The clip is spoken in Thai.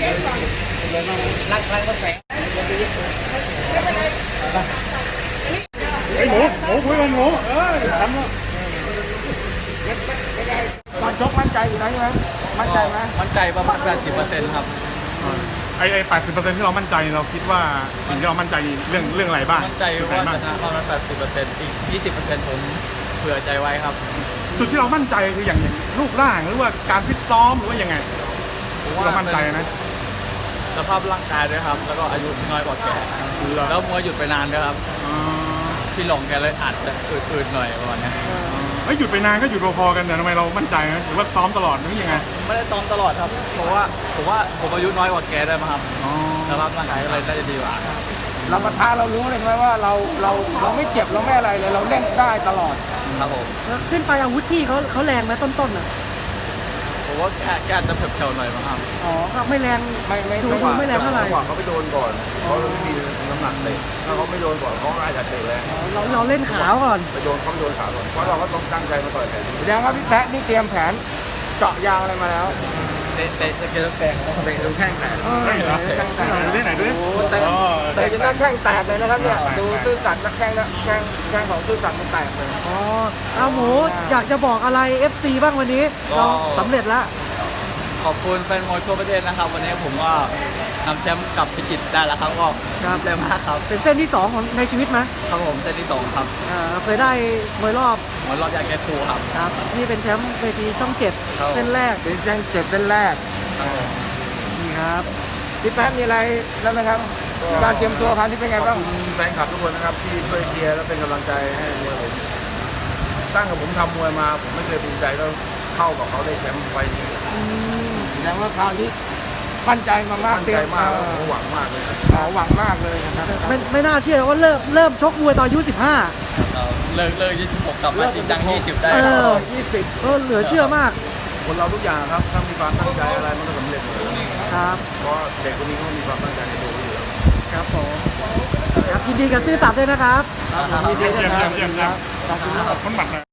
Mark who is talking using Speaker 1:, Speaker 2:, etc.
Speaker 1: รักก็แฝง
Speaker 2: ไอ้หมูคุยกันหมูทำแล้ว
Speaker 3: ตอนชกมั่นใจอยู่นะใช่ไหมมั่นใจไหม
Speaker 1: มั่นใจประมาณ 80%ครับ
Speaker 2: ไอ้80%ที่เรามั่นใจเราคิดว่าสิ่งที่เรามั่นใจเรื่องอะไรบ้าง
Speaker 1: มั่นใจว่าชนะประมาณ 80%อีก 20%ผมเผื่อใจไว้ครับ
Speaker 2: จุดที่เรามั่นใจคืออย่างรูปร่างหรือว่าการฟิตซ้อมหรือว่ายังไงเรามั่นใจนะ
Speaker 1: สภาพร่างกายด้วยครับแล้วก็อายุน้อยกว่าแกแล้วมวยหยุดไปนานด้วยครับที่หลงแกเลยอาจจะอืดๆหน่อยประมาณนี้
Speaker 2: ไม่หยุดไปนานก็หยุดพอๆกันแต่ทำไมเรามั่นใจนะหรือว่าซ้อมตลอดหรือยังไง
Speaker 1: ไม่ได้ซ้อมตลอดครับเพราะว่าผมอายุน้อยกว่าแกได้มาครับสภาพร่างกายก็เลยน่าจะดีกว่า
Speaker 3: เราประทะเรารู้เลยไหมว่าเราไม่เจ็บเราไม่อะไรเลยเราเล่นได้ตลอด
Speaker 1: ครับผม
Speaker 4: ขึ้นไปอาวุธที่เขาแรงไหมต้นๆน่ะ
Speaker 1: ผมว่าแกอาจจะเผลอๆหน่อยมั้งครับ
Speaker 4: อ๋อครับไม่แรงดูไม่แรงเท่าไหร่
Speaker 5: เขาไปโดนก่อนเขาไม่มีน้ำหนักเตะถ้าเขาไม่โดนก่อนเขาอาจจะเตะแรง
Speaker 4: เราเล่นขาวก่อน
Speaker 5: ไปโดนเขาโดนขาก่อนเพราะเราก็ต้องตั้งใจมาต่อยแผน
Speaker 3: แสดงว่าพี่แพะนี่เตรียมแผนเจาะยางอะไรมาแล้ว
Speaker 1: เตะเกลือแตก
Speaker 3: เตะจนแข้งแตก
Speaker 2: ดูไหนดู
Speaker 3: เตะจนแข้งแตกเลยนะครับเนี่ยดูซื่อสัตย์นักแข้งของซื่อสัตย์มันแตกเลย
Speaker 4: อ๋อเอาหมูอยากจะบอกอะไร FC บ้างวันนี้เราสำเร็จแล้ว
Speaker 1: ขอบคุณแฟนมวยทั่วประเทศนะครับวันนี้ผมก็นำแชมป์กลับพิจิตรได้แล้วครับก็เร็วมากครับ
Speaker 4: เป็นเส้นที่2ของในชีวิตไหม
Speaker 1: ครับผมเส้นที่2ครับ
Speaker 4: เคยได้มวยรอบ
Speaker 1: ยาแก้ครูครับ
Speaker 4: นี่เป็นแชมป์เวทีช่อง7เส้นแรก
Speaker 3: เป็นแชมป์7เส้นแรก
Speaker 4: นี่ครับ
Speaker 3: พี่แป๊บมีอะไรแล้วนะครับการเตรียมตัวครั้งนี้เป็นไงบ้าง
Speaker 5: แฟนคลับทุกคนนะครับที่ช่วยเชียร์และเป็นกำลังใจให้มวยผมตั้งแต่ผมทำมวยมาผมไม่เคยภูมิใจก็เข้ากับเขาได้แชมป์ไฟนี้
Speaker 3: แสดงว่าคราวนี้มั่นใจมาก
Speaker 5: มั่นใจมากหวังมากเลย
Speaker 3: หวังมากเลยนะครับ
Speaker 4: ไม่น่าเชื่อว่าเริ่มชกมวยตอนอายุ
Speaker 1: 15เลิก26กลับมาจริงจัง20ได้
Speaker 4: 20ก็เหลือเชื่อมาก
Speaker 5: คนเราทุกอย่างครับถ้ามีความตั้งใจอะไรมันก็สำเร็จ
Speaker 4: ครับ
Speaker 5: เพราะเด็กคนนี้เขามีความตั้งใจในตัวอยู่แล้ว
Speaker 4: ครับผมครับยินดีกับซื่อสัตย์ด้วยนะครับ
Speaker 3: ยินดีด้วยครับ
Speaker 2: คนบัตร